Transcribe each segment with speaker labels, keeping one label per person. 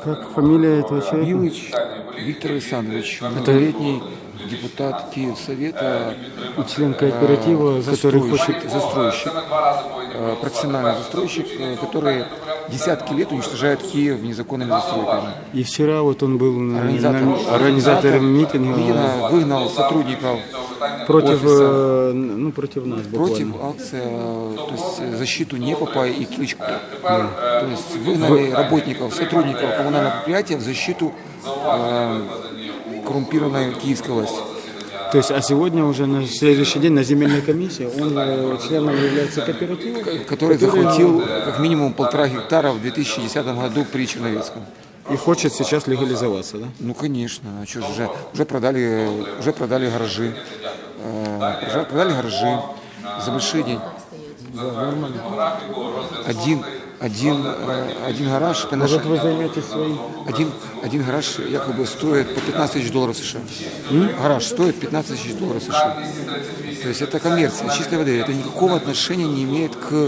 Speaker 1: Как фамилия этого человека?
Speaker 2: Билыч Виктор Александрович, многолетний депутат Киевсовета,
Speaker 1: И член кооператива, который хочет...
Speaker 2: застройщик, профессиональный застройщик, который десятки лет уничтожает Киев незаконными застройками.
Speaker 1: И вчера вот он был
Speaker 2: Организатором
Speaker 1: митинга
Speaker 2: выгнал сотрудников
Speaker 1: против,
Speaker 2: офиса,
Speaker 1: против нас буквально.
Speaker 2: против акции, то есть защиту Непопа и Кличко. То есть выгнали работников, сотрудников коммунального предприятия в защиту коррумпированной киевской власти.
Speaker 1: То есть, а сегодня уже на следующий день на земельной комиссии он членом является кооператива,
Speaker 2: Который захватил как минимум 1,5 гектара в 2010 году при Черновецком.
Speaker 1: и хочет сейчас легализоваться, да?
Speaker 2: Ну конечно, а что же, уже продали гаражи, продали гаражи за большие деньги.
Speaker 1: Да, нормально.
Speaker 2: Один гараж,
Speaker 1: Может, вы займетесь своим?
Speaker 2: один гараж якобы стоит по 15 тысяч долларов США. Гараж стоит 15 тысяч долларов США. То есть это коммерция, чистой воды. Это никакого отношения не имеет к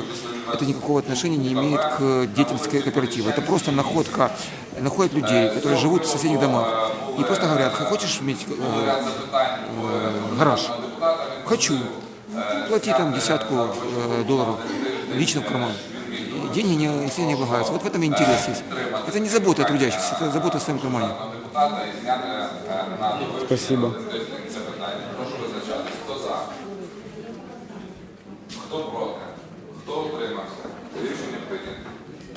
Speaker 2: деятельности кооператива. Это просто находят людей, которые живут в соседних домах. И просто говорят: хочешь иметь гараж? Хочу. Плати там десятку долларов лично в карман. Деньги не влагаются. Вот в этом и интерес есть. Это не забота о трудящихся, это забота о своем кармане.
Speaker 1: Спасибо.
Speaker 3: Хто проти? Хто утримався? Рішення прийнято.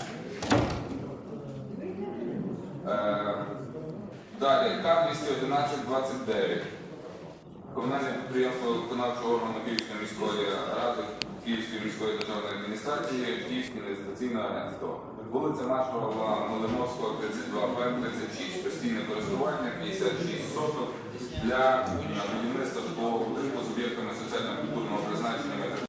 Speaker 3: Далі, К-211-29. Комунальне підприємство виконавчого органу Київської міської ради, Київської міської державної адміністрації, Київське інвестиційне агентство. Вулиця Маршала Малиновського, 32Б, 36, постійне користування, 56 соток для будівництва житлового будинку з об'єктами соціально-культурної